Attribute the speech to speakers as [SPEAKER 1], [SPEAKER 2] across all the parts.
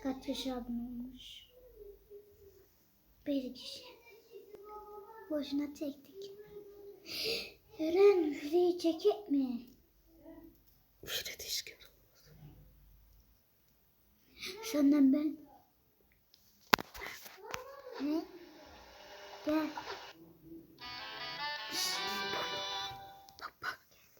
[SPEAKER 1] Kaç yaş abone olmuş? Bir kişi. Boşuna çektik. Eren şurayı çekip mi?
[SPEAKER 2] Şöyle dişki.
[SPEAKER 1] Senden ben. Ne? Gel.
[SPEAKER 2] Bak bak.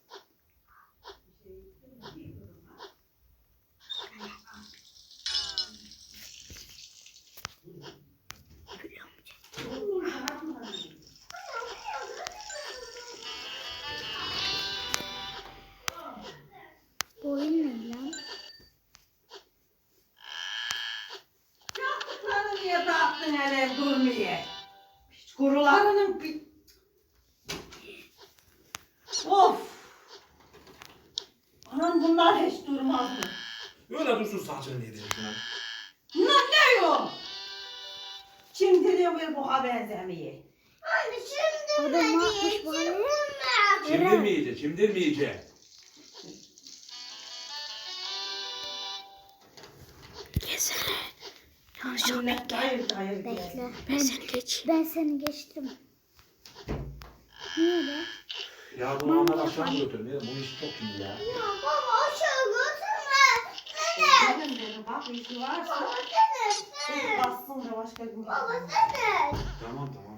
[SPEAKER 1] Bu oyun ne lan?
[SPEAKER 3] Yaptıklarını niye dağıttın hele durmaya? Hiç kurularının bir... Of! Anam bunlar hiç durmazdı.
[SPEAKER 4] Öyle dursun saçını yedirirsin ha.
[SPEAKER 3] Bunlar ne yok? Şimdi diyor bir boğa benzemeye.
[SPEAKER 1] O da ne yapmış bu hale?
[SPEAKER 4] Çimdirmeyecek, çimdirmeyecek.
[SPEAKER 2] Gezene.
[SPEAKER 3] Millet hayır hayır diye.
[SPEAKER 1] Bekle.
[SPEAKER 2] Ben seni geç.
[SPEAKER 1] Ben seni geçtim. Niye be?
[SPEAKER 4] Ya bunu ama aşağı mı götürmeyelim? Bu iş çok şimdi ya.
[SPEAKER 3] Benim dedi bak işi varsa. Bir bassın da başka gün.
[SPEAKER 4] Tamam tamam.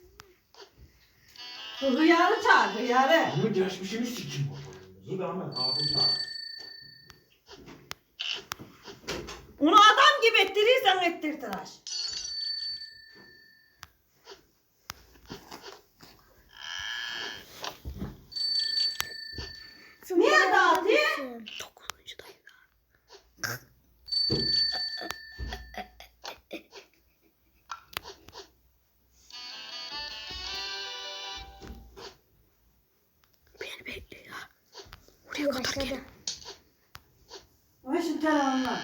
[SPEAKER 3] Hıyarı çağır hıyarı.
[SPEAKER 4] Bunu geçmişini sikeyim motorumuzu da ama hatun çağır.
[SPEAKER 3] Onu adam gibi ettirirsen ettir tıraş. Niye dağıtıyor?
[SPEAKER 2] 9'uncudayım. Beni bekle ya. Oraya kadar
[SPEAKER 1] Başladı.
[SPEAKER 2] gel.
[SPEAKER 3] Ve şu telefonla.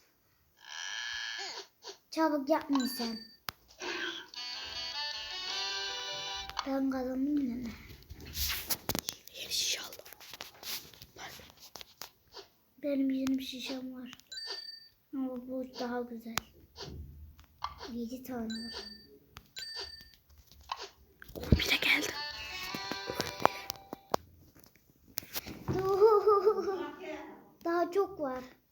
[SPEAKER 1] Çabuk yapmayın sen. Ben kazandım yine.
[SPEAKER 2] Yeni şişe aldım. Bak.
[SPEAKER 1] Benim 20 şişem var. Ama bu daha güzel. 7 tane var.
[SPEAKER 2] 11'e geldim.
[SPEAKER 1] Daha çok var.